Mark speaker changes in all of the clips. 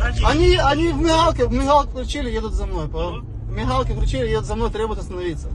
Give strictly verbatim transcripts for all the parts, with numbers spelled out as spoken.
Speaker 1: Заходи.
Speaker 2: Они, они в мигалке, в мигалке включили, едут за мной. Понял? В мигалке включили, едут за мной, требуют остановиться.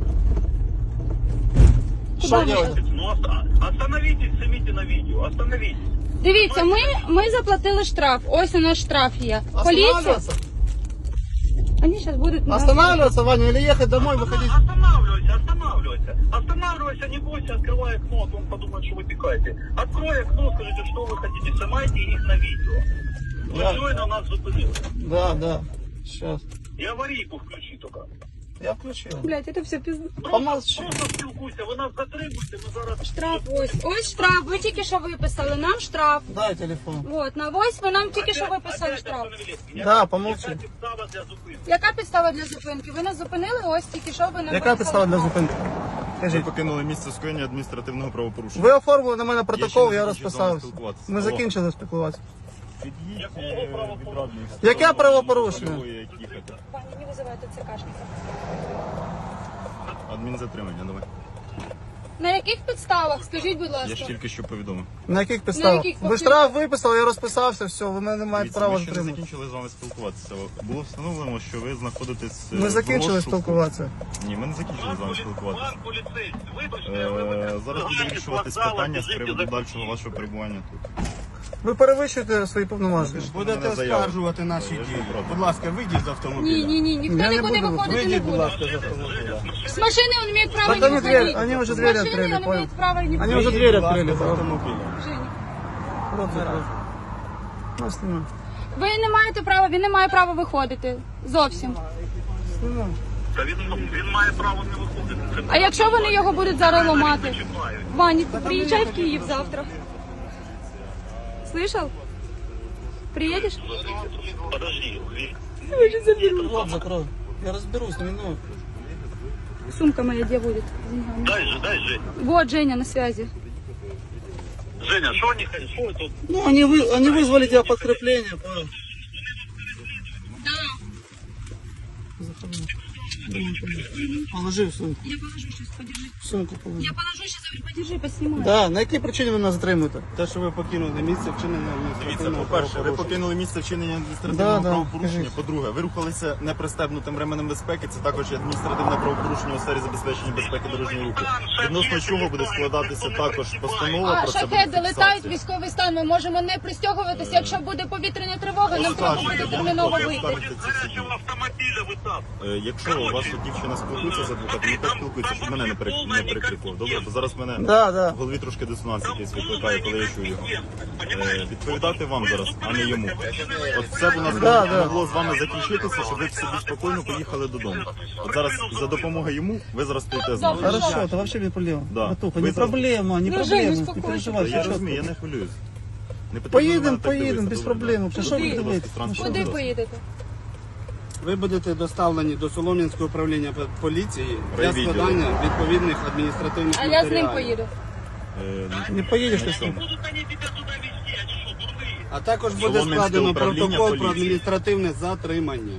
Speaker 2: Что делать?
Speaker 1: Ну, оста- остановитесь, снимите на видео, остановитесь.
Speaker 3: Дивіться, ми, ми заплатили штраф. Ось у нас штраф є. Поліція.
Speaker 2: Останавливаться?
Speaker 3: Вони зараз будуть...
Speaker 2: Останавливаться, Ваня, или ехать домой, выходить?
Speaker 1: Останавливайся, останавливайся. Останавливайся, не бойся, открывай окно, а то он подумает, что вы пикаете. Открой окно, скажите, что вы хотите, снимайте их на видео. Вы
Speaker 2: Да.
Speaker 1: щойно нас зупинили.
Speaker 2: Да, да. Сейчас.
Speaker 1: И аварийку включи только.
Speaker 2: Я включил.
Speaker 3: Блять, це все пізно.
Speaker 2: Помолчи.
Speaker 1: Просто спілкуйся, ви нас затримуєте, ми зараз...
Speaker 3: Штраф ось. Ось штраф. Ви тільки що виписали. Нам штраф.
Speaker 2: Дай телефон.
Speaker 3: От, на ось ви нам тільки що виписали
Speaker 1: Опять
Speaker 3: штраф.
Speaker 1: остановились.
Speaker 2: Да, помолчи.
Speaker 1: Яка підстава для зупинки?
Speaker 3: Яка підстава для зупинки? Ви нас зупинили, ось тільки що ви нам
Speaker 2: Яка
Speaker 3: виписали
Speaker 2: підстава для
Speaker 3: штраф.
Speaker 2: зупинки?
Speaker 4: Ви
Speaker 2: Скажіть.
Speaker 4: покинули місце скоєння адміністративного правопорушення.
Speaker 2: Ви оформили на мене протокол,
Speaker 4: не
Speaker 2: я
Speaker 4: закінчив з вами
Speaker 2: розписався.
Speaker 4: спілкуватися.
Speaker 2: Ми
Speaker 4: Алло.
Speaker 2: закінчили спілкуватися.
Speaker 4: Під'їдь
Speaker 1: Якого
Speaker 4: е,
Speaker 1: правопорушення?
Speaker 4: від радних.
Speaker 2: Яке правопорушення?
Speaker 4: Ой, як їхати.
Speaker 3: Пані, не визивайте цикашника.
Speaker 4: Адмінзатримання, давай.
Speaker 3: На яких підставах? Скажіть, будь ласка.
Speaker 4: Я ж тільки що повідомив.
Speaker 2: На яких підставах?
Speaker 3: яких
Speaker 2: Ви штраф виписали, я розписався, все, ви мене не маєте
Speaker 4: Дивіться,
Speaker 2: права
Speaker 4: ми ще не
Speaker 2: затримати.
Speaker 4: закінчили з вами спілкуватися. Було встановлено, що ви знаходитесь е,
Speaker 2: Ми
Speaker 4: в
Speaker 2: закінчили
Speaker 4: розшуку.
Speaker 2: спілкуватися.
Speaker 4: Ні, ми не закінчили з вами спілкуватися.
Speaker 1: Пан поліцейський, вибачте,
Speaker 4: Е,
Speaker 1: вибачте.
Speaker 4: Зараз буде вирішуватись питання з приводу дальшого вашого перебування тут.
Speaker 2: Ви перевищуєте свої повноваження.
Speaker 5: Будете
Speaker 4: Мене заява.
Speaker 5: оскаржувати наші
Speaker 4: Я ж
Speaker 5: дії.
Speaker 4: не проти.
Speaker 5: Будь ласка, вийдіть з автомобіля.
Speaker 3: Ні, ні, ні, ніхто
Speaker 2: Я не
Speaker 3: нікуди
Speaker 2: буду.
Speaker 3: виходити не
Speaker 5: Вийдіть, будь
Speaker 3: буде.
Speaker 5: ласка, з автомобіля.
Speaker 3: С машины он имеет право
Speaker 2: Так
Speaker 3: не
Speaker 2: они
Speaker 3: выходить.
Speaker 2: дверь- они уже
Speaker 3: С
Speaker 2: двери
Speaker 3: машины
Speaker 2: открыли,
Speaker 3: он
Speaker 2: понял.
Speaker 3: имеет право не
Speaker 2: Они
Speaker 3: выходить.
Speaker 2: уже
Speaker 5: Вийдіть,
Speaker 2: дверь
Speaker 5: будь ласка,
Speaker 2: открыли.
Speaker 5: з автомобіля.
Speaker 3: Женя,
Speaker 2: Рот закрой. Ну, снимай.
Speaker 3: ви не маєте права, він не має права виходити. Зовсім.
Speaker 2: Снимай.
Speaker 1: Та він, він має право не виходити.
Speaker 3: А якщо вони його будуть зараз ламати?
Speaker 1: Чекають.
Speaker 3: Ваня, ты приезжай в Киев завтра. Слышал? Приедешь?
Speaker 1: Подожди, він-
Speaker 2: Рот закрой. Я разберусь, не минут.
Speaker 3: Сумка моя где будет? с деньгами?
Speaker 1: дай же, дай же.
Speaker 3: Вот, Женя на связи.
Speaker 1: Женя, що вони хотять? Що тут?
Speaker 2: Ну, они, вы, они вызвали тебя подкрепление, понял?
Speaker 3: Да.
Speaker 2: Заходи. Положи в сумку.
Speaker 3: Я положу сейчас, подержи.
Speaker 2: В сумку положи.
Speaker 3: Я положу сейчас, подержи, поснимай.
Speaker 2: Да, на якій причині ви нас затримуєте?
Speaker 5: Те, що ви покинули місце вчинення
Speaker 4: Дивіться,
Speaker 5: адміністративного
Speaker 4: по-перше, ви
Speaker 5: правопорушення.
Speaker 4: покинули місце вчинення адміністративного
Speaker 2: Да, да,
Speaker 4: правопорушення.
Speaker 2: кажіть.
Speaker 4: По-друге, ви рухалися непристебнутим ременем безпеки. Це також є адміністративне правопорушення у сфері забезпечення безпеки дорожнього руху. Відносно чого буде складатися також постанова
Speaker 3: А
Speaker 4: про це буде
Speaker 3: шахеди летають,
Speaker 4: фіксація.
Speaker 3: військовий стан. Ми можемо не пристягуватися. Якщо буде повітряна тривога, нам треба буде
Speaker 4: Оскаржуйте, я не
Speaker 3: терміново
Speaker 4: проти
Speaker 3: вийти.
Speaker 4: оскаржити ці суді.
Speaker 1: Гарячого автомобіля ви там.
Speaker 4: Е, Якщо ваша дівчина спілкується з адвокатом, нехай спілкується, щоб мене не перек- не перекрикував. Добре, бо зараз мене
Speaker 2: Да, да.
Speaker 4: в голові трошки дисонанс якийсь викликає, коли я чую його. Е, Відповідати вам зараз, а не йому. От все б у нас
Speaker 2: Да, да.
Speaker 4: могло з вами закінчитися, щоб ви собі спокійно поїхали додому. От зараз за допомогою йому ви зараз стоїте з нами.
Speaker 2: Хорошо, это вообще без проблем.
Speaker 4: Да.
Speaker 2: Братуха,
Speaker 4: Вы
Speaker 2: не
Speaker 4: за-
Speaker 2: проблема, не
Speaker 3: Ну,
Speaker 2: проблема.
Speaker 3: Жень,
Speaker 2: Не
Speaker 3: успокойся.
Speaker 2: переживай,
Speaker 4: Я
Speaker 2: все
Speaker 4: розумію, я
Speaker 2: чітко.
Speaker 4: не хвилююсь. Не потрібно на
Speaker 2: Поїдемо,
Speaker 4: мене так
Speaker 2: поїдемо,
Speaker 4: дивитися,
Speaker 2: без
Speaker 4: добре?
Speaker 2: проблем. Вже що
Speaker 4: Куди?
Speaker 2: ви дивитесь?
Speaker 4: Транспорт
Speaker 3: Куди
Speaker 4: зараз.
Speaker 3: поїдете?
Speaker 5: Ви будете доставлені до Солом'янського управління поліції для
Speaker 4: Райвідділу.
Speaker 5: складання відповідних адміністративних
Speaker 3: А я з ним
Speaker 5: матеріалів.
Speaker 3: поїду.
Speaker 4: Е,
Speaker 2: Не поїдеш ти
Speaker 4: на
Speaker 2: з ним.
Speaker 4: чому?
Speaker 1: Будуть вони тебе туди везти, а що, дурні?
Speaker 5: А також буде
Speaker 4: Солом'янське
Speaker 5: складено
Speaker 4: управління
Speaker 5: протокол про
Speaker 4: поліції.
Speaker 5: адміністративне затримання.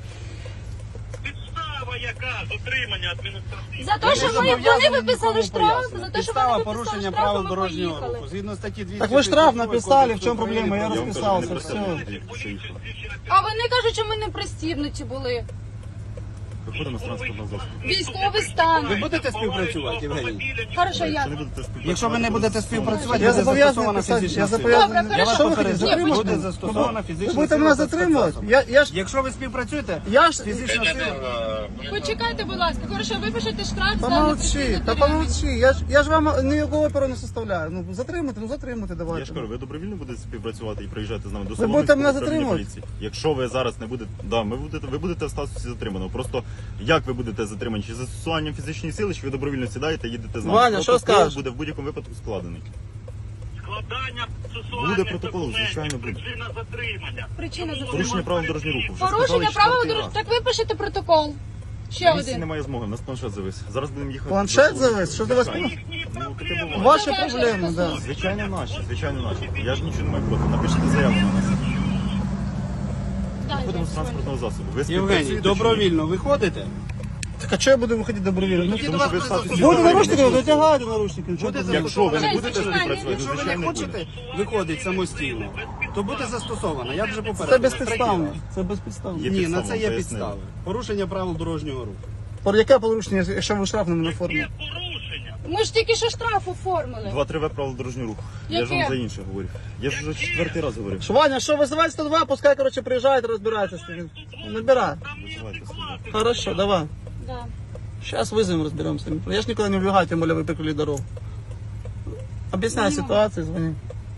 Speaker 1: Підстава яка? Затримання адміністративне.
Speaker 3: За те, що ми, вони виписали штраф, за те, що
Speaker 5: Підстава
Speaker 3: вони виписали
Speaker 5: порушення
Speaker 3: штраф,
Speaker 5: правил
Speaker 3: ми
Speaker 5: дорожнього
Speaker 3: поїхали.
Speaker 5: руху. Згідно статті двісті
Speaker 2: Так ви штраф
Speaker 5: шістдесят
Speaker 2: написали, в
Speaker 5: Кодексу
Speaker 2: чому проблема? Я
Speaker 4: Я вам кажу,
Speaker 2: розписався,
Speaker 4: не
Speaker 2: все.
Speaker 4: пристебнутий, що їхав.
Speaker 3: А вони кажуть, що ми не пристібнуті були.
Speaker 4: Виходимо з транспортного засобу.
Speaker 3: Військовий стан.
Speaker 5: Ви будете співпрацювати, Євгеній?
Speaker 3: Хорошо, я.
Speaker 4: Якщо не будете співпрацювати,
Speaker 5: Якщо ви не будете співпрацювати,
Speaker 2: Я
Speaker 5: буде
Speaker 2: зобов'язаний
Speaker 5: застосована
Speaker 2: писати,
Speaker 5: фізична
Speaker 2: я
Speaker 5: сила.
Speaker 2: зобов'язаний.
Speaker 3: Добре,
Speaker 5: Я вас
Speaker 3: хорошо.
Speaker 2: Що ви хотите?
Speaker 5: попереджаю,
Speaker 2: Затримати?
Speaker 5: буде застосована
Speaker 2: Ви
Speaker 5: фізична
Speaker 2: будете
Speaker 5: сила.
Speaker 2: мене
Speaker 5: за
Speaker 2: затримувати?
Speaker 5: спецзасобом.
Speaker 2: Я, я ж,
Speaker 5: Якщо ви співпрацюєте,
Speaker 2: я ж,
Speaker 5: фізична сила.
Speaker 3: Почекайте, будь ласка. Хорошо, випишете штраф за
Speaker 2: помолчи,
Speaker 3: непристібнуті
Speaker 2: та
Speaker 3: ремені.
Speaker 2: помолчи. Я ж, я ж вам ніякого оперу не составляю. Ну, затримати, ну затримати
Speaker 4: Я ж
Speaker 2: давайте.
Speaker 4: кажу, ви добровільно будете співпрацювати і приїжджати з нами до
Speaker 2: Ви будете
Speaker 4: Солом'янського
Speaker 2: мене
Speaker 4: управління
Speaker 2: затримувати?
Speaker 4: поліції. Якщо ви зараз не будете, да, ми будете, ви будете в статусі затриманого. Просто як ви будете затримані? Чи застосуванням фізичної сили, чи ви добровільно сідаєте і їдете з нами?
Speaker 2: Ваня, що
Speaker 4: Протокол
Speaker 2: скажеш?
Speaker 4: буде в будь-якому випадку складений.
Speaker 1: Складання
Speaker 4: Буде протокол, звичайно, буде.
Speaker 1: Причина затримання.
Speaker 3: Причина
Speaker 4: Порушення
Speaker 3: затримання.
Speaker 4: правил дорожнього руху. Вже
Speaker 3: Порушення
Speaker 4: сказали
Speaker 3: правил
Speaker 4: четвертий
Speaker 3: дорожнього.
Speaker 4: раз.
Speaker 3: Так випишете протокол. Ще
Speaker 4: На місці
Speaker 3: один.
Speaker 4: немає змоги, у нас планшет завис. Зараз будемо їхати.
Speaker 2: Планшет
Speaker 4: до-
Speaker 2: завис? Що ти вас-
Speaker 4: Звичайно. Ну, таке буває.
Speaker 2: Ваші
Speaker 3: Це теж
Speaker 2: проблеми,
Speaker 3: стосується.
Speaker 2: да.
Speaker 4: Звичайно наші, звичайно наші. Я ж нічого не маю проти. Напишіть заяву на нас.
Speaker 3: Дай,
Speaker 4: Будемо з
Speaker 3: дай,
Speaker 4: транспортного засобу. Ви
Speaker 5: Євгеній,
Speaker 4: співпрацюєте чи ні?
Speaker 5: добровільно виходите?
Speaker 2: Так а чого я буду виходити добровільно? Ну,
Speaker 4: Тому що ви в статусі
Speaker 2: буде
Speaker 4: добровільного
Speaker 2: наручники,
Speaker 4: не
Speaker 2: витягайте наручники. Чого
Speaker 5: Буде
Speaker 2: ти-
Speaker 4: Якщо ви не
Speaker 3: Честь,
Speaker 4: будете
Speaker 3: починай.
Speaker 4: співпрацювати,
Speaker 5: Якщо ви не
Speaker 4: звичайно буде.
Speaker 5: хочете виходити самостійно, то буде застосовано. Я вже попередив.
Speaker 2: Це безпідставно. Це безпідставно.
Speaker 4: Є
Speaker 5: Ні, на
Speaker 4: підстава,
Speaker 5: це є
Speaker 4: пояснили.
Speaker 5: підстави. Порушення правил дорожнього руху.
Speaker 2: Про яке порушення, якщо ви штраф не оформили?
Speaker 1: Порушення.
Speaker 3: Ми ж тільки що штраф оформили.
Speaker 4: два-три В правил дорожнього руху. Я ж
Speaker 3: Яке?
Speaker 4: вам за інше говорю. Я ж вже четвертий раз говорю.
Speaker 2: Що, Ваня, що, визивай сто два, пускай, короче, приїжджають, розбираються з ним. Набирай.
Speaker 4: Визивайте собі.
Speaker 2: Хорошо, давай.
Speaker 3: Да.
Speaker 2: Сейчас вызовем, разберемся. Я ж никуда не убегаю, тем более вы перекрыли дорогу. Объясняй ситуацию, звони.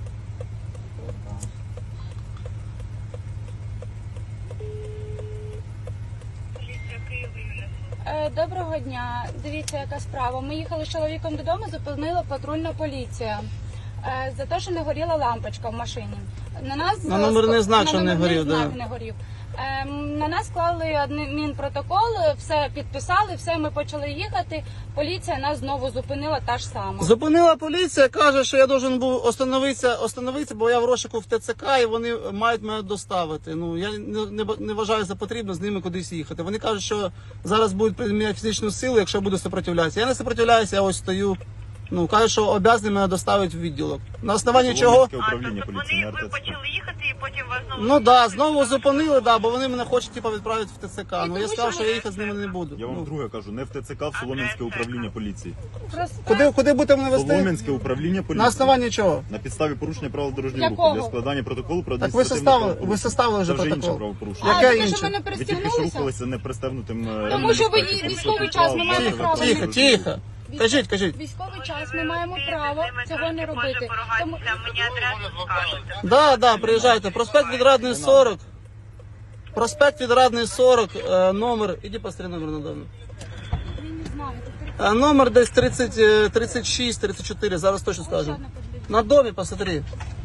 Speaker 3: Е, Доброго дня. Дивіться, яка справа. Ми їхали з чоловіком додому, зупинила патрульна поліція. Е, За те, що не горіла лампочка в машині. На нас
Speaker 2: На номерний знак,
Speaker 3: на
Speaker 2: що не
Speaker 3: номерний
Speaker 2: горів,
Speaker 3: знак
Speaker 2: да.
Speaker 3: не горів. Е, На нас склали адмінпротокол, все підписали, все, ми почали їхати. Поліція нас знову зупинила, та ж сама.
Speaker 2: Зупинила поліція, каже, що я должен був остановитися, остановитися, бо я в розшуку в ТЦК і вони мають мене доставити. Ну, я не, не, не вважаю за потрібно з ними кудись їхати. Вони кажуть, що зараз будуть приміняти фізичну силу, якщо буду сопротивлятися. Я не сопротивляюся, я ось стою. Ну, кажуть, що обов'язані мене доставити в відділок. На основанні чого?
Speaker 4: Солом'янське управління поліції на
Speaker 1: Вони, ви
Speaker 4: РТЦК.
Speaker 1: почали їхати і потім вас знову...
Speaker 2: Ну да, знову зупинили, да, бо вони мене хочуть типу, відправити в ТЦК. Ну я
Speaker 3: тому
Speaker 2: сказав,
Speaker 3: що
Speaker 2: що я їхати з ними не буду.
Speaker 4: Я вам
Speaker 2: Ну,
Speaker 4: друге кажу, не в ТЦК, в Солом'янське управління поліції.
Speaker 3: Просто-
Speaker 2: куди, куди будете мене вести?
Speaker 4: Солом'янське управління поліції.
Speaker 2: На основанні чого?
Speaker 4: На підставі порушення правил дорожнього
Speaker 3: Якого?
Speaker 4: руху для складання протоколу про
Speaker 2: Так ви
Speaker 4: адміністративне
Speaker 2: составили, ви
Speaker 4: правопорушення.
Speaker 2: составили вже
Speaker 4: Це вже інше
Speaker 2: протокол.
Speaker 4: правопорушення.
Speaker 3: А,
Speaker 2: Яке
Speaker 3: тому
Speaker 2: інше?
Speaker 3: що ми не
Speaker 4: Ви тільки що
Speaker 3: пристігнулися?
Speaker 4: рухалися непристебнутим е,
Speaker 3: Тому що ви
Speaker 4: ремнем безпеки.
Speaker 3: військовий час, ми маємо
Speaker 2: Тихо,
Speaker 3: право.
Speaker 2: тихо, тихо. Кажіть, кажіть.
Speaker 3: Військовий час, ми маємо право цього не робити. Тому...
Speaker 1: Мені адресу скажете.
Speaker 2: Да, да, приїжджайте. Проспект Відрадний сорок. Проспект Відрадний сорок, е, номер. Іди посмотри номер надавно.
Speaker 3: Я не знаю, тепер
Speaker 2: Е, Номер десь тридцять, е, тридцять шість, тридцять чотири, зараз точно скажу.
Speaker 3: жодна подивіться.
Speaker 2: На домі посмотри.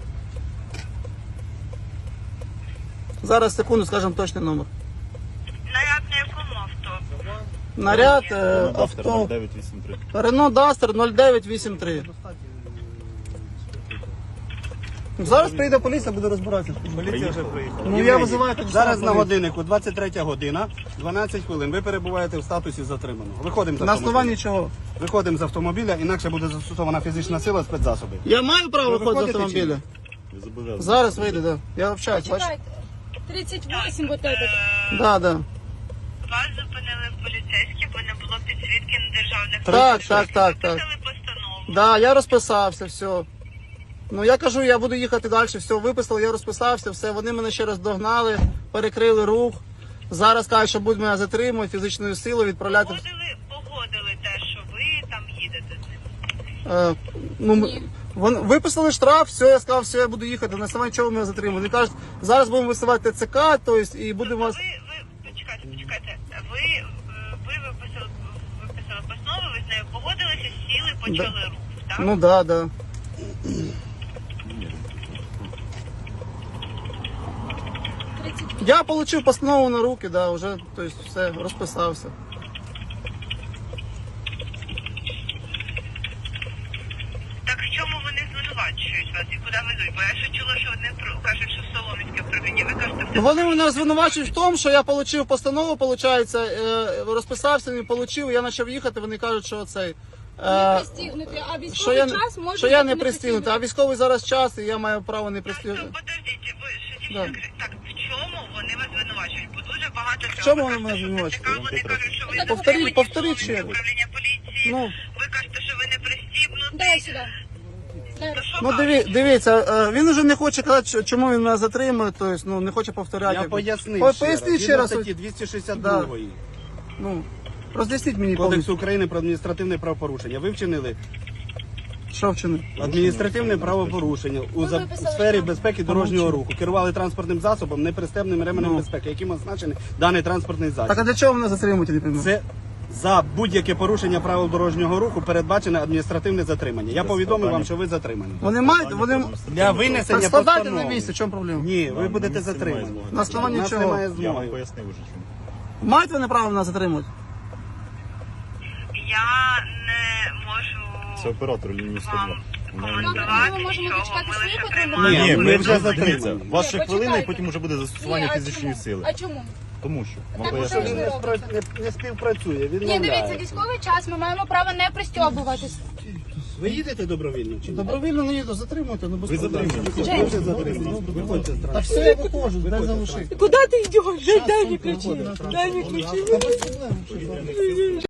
Speaker 2: Зараз, секунду, скажемо точний номер.
Speaker 1: Наряд на якому авто?
Speaker 2: Наряд, е,
Speaker 4: Автор
Speaker 2: авто.
Speaker 4: дев'ять вісім три.
Speaker 2: Рено Дастер нуль дев'ять вісім три. Зараз прийде поліція, буде розбиратися.
Speaker 4: Поліція вже приїхала.
Speaker 2: Ну я визиваю так
Speaker 5: Зараз
Speaker 2: само
Speaker 5: на
Speaker 2: поліцію.
Speaker 5: годиннику двадцять третя година, дванадцять хвилин. Ви перебуваєте в статусі затриманого. Виходимо з
Speaker 2: На
Speaker 5: автомобіля.
Speaker 2: основанні чого?
Speaker 5: Виходимо з автомобіля, інакше буде застосована фізична сила, спецзасоби.
Speaker 2: Я маю право
Speaker 5: Ви
Speaker 2: виходити з
Speaker 5: виходите чи ні?
Speaker 2: автомобіля.
Speaker 4: Ви зобов'язані.
Speaker 2: Зараз вийде, да. Я общаюсь, бачиш?
Speaker 3: Чекайте. тридцять вісім вот этот.
Speaker 2: Да, да.
Speaker 1: Вас зупинили поліцейські, бо не було підсвітки на державних...
Speaker 2: Так, так, так, так.
Speaker 1: Виписали постанову.
Speaker 2: Да, я розписався, все. Ну я кажу, я буду їхати далі, все, виписали, я розписався, все. Вони мене ще раз догнали, перекрили рух. Зараз кажуть, що будуть мене затримувати, фізичною силою відправляти. в-
Speaker 1: Погодили, погодили те, що ви там їдете з ним.
Speaker 2: Е, ну, ми- вони виписали штраф, все, я сказав, все, я буду їхати. На самому чого мене затримали. Вони кажуть, зараз будемо висувати ТЦК, тобто, і будемо вас.
Speaker 1: Ви, ви, почекайте, почекайте. Ви, е, ви виписали, виписали постанову, ви з нею погодилися, сіли, почали рух, так?
Speaker 2: Ну да, да. Я отримав постанову на руки, да, вже, тобто, все, розписався.
Speaker 1: Так в чому вони звинувачують вас і куди везуть? Бо я ще чула, що вони про- кажуть, що в Солом'янське управління. Ви кажете,
Speaker 2: Ну, вони мене звинувачують в тому, що я отримав постанову, виходить, е, розписався, не отримав, я почав їхати, вони кажуть, що цей.
Speaker 3: Не
Speaker 2: Е,
Speaker 3: пристігнути, а
Speaker 2: що
Speaker 3: військовий
Speaker 2: я,
Speaker 3: час може
Speaker 2: що я
Speaker 3: бути
Speaker 2: не пристігнутий, а військовий зараз час, і я маю право не
Speaker 1: Так,
Speaker 2: пристігнути.
Speaker 1: то подождіть, ви що
Speaker 2: Да.
Speaker 1: дівчинка, так в чому вони вас звинувачують? Бо дуже багато
Speaker 2: В чому вони мене звинувачують?
Speaker 1: Вони кажуть, що ви
Speaker 3: Так,
Speaker 1: не
Speaker 2: повторіть,
Speaker 1: прийняті
Speaker 2: повторіть
Speaker 1: в
Speaker 2: ще раз.
Speaker 1: управління поліції.
Speaker 2: Ну.
Speaker 1: Ви кажете, що ви не пристібнуті.
Speaker 3: Дай сюди. Дай.
Speaker 1: То що
Speaker 2: Ну
Speaker 1: вам?
Speaker 2: диві, дивіться, е, він уже не хоче казати, що- чому він мене затримує, тобто, ну, не хоче повторяти.
Speaker 5: Я пояснив
Speaker 2: По-
Speaker 5: ще раз.
Speaker 2: Поясніть ще
Speaker 5: Згідно
Speaker 2: раз.
Speaker 5: статті двісті шістдесят два
Speaker 2: Ну, роз'ясніть мені повністю,
Speaker 5: Кодексу України про адміністративне правопорушення. Ви вчинили
Speaker 2: що вчинив.
Speaker 5: адміністративне правопорушення у
Speaker 3: Ви
Speaker 5: за-
Speaker 3: виписали
Speaker 5: сфері
Speaker 3: штраф.
Speaker 5: безпеки дорожнього руху. Керували транспортним засобом, непристебним ременем
Speaker 2: Ну.
Speaker 5: безпеки, яким означений даний транспортний засіб.
Speaker 2: Так а для чого мене затримують, я не розумію?
Speaker 5: Це за будь-яке порушення правил дорожнього руху передбачене адміністративне затримання. Я повідомив вам, що ви затримані.
Speaker 2: Вони мають, вони...
Speaker 5: Для винесення
Speaker 2: Так складайте
Speaker 5: постанови.
Speaker 2: на місці, в чому проблема?
Speaker 5: Ні, ви
Speaker 4: Вам
Speaker 5: будете
Speaker 4: на місці немає
Speaker 5: затримані.
Speaker 4: змоги.
Speaker 2: На основанні
Speaker 5: У нас
Speaker 2: чого?
Speaker 5: немає
Speaker 4: Я вам
Speaker 5: змоги.
Speaker 4: пояснив уже чому.
Speaker 2: Мають вони право мене затримувати?
Speaker 1: Я не можу
Speaker 4: Це оператор лінії сто два.
Speaker 1: вам
Speaker 3: Добре, ми можемо дочекати свої патрульні
Speaker 5: Ні,
Speaker 3: поліції?
Speaker 5: ми вже
Speaker 4: дивіться,
Speaker 5: затримані.
Speaker 4: у вас ще
Speaker 3: Ні,
Speaker 4: хвилина, і
Speaker 3: почекайте.
Speaker 4: потім вже буде застосування
Speaker 3: Ні, а
Speaker 4: фізичної
Speaker 3: чому?
Speaker 4: сили.
Speaker 3: А чому?
Speaker 4: Тому що вам
Speaker 3: Так,
Speaker 5: Що він
Speaker 4: пояснюю.
Speaker 5: не, спра- не, не співпрацює,
Speaker 3: Ні,
Speaker 5: відмовляє.
Speaker 3: дивіться, військовий час, ми маємо право не пристьобуватись.
Speaker 5: Ви їдете добровільно чи ні?
Speaker 2: Добровільно не їду, затримуйте, ну без
Speaker 4: Ви
Speaker 2: проблем.
Speaker 4: затримані.
Speaker 5: Ви вже затримані. Виходьте з
Speaker 2: Та
Speaker 5: транспорту.
Speaker 2: все, я виходжу, дай залишити.
Speaker 6: Куда ты идешь? Дай, дай мне ключи. Дай мне ключи.
Speaker 2: Та без проблем.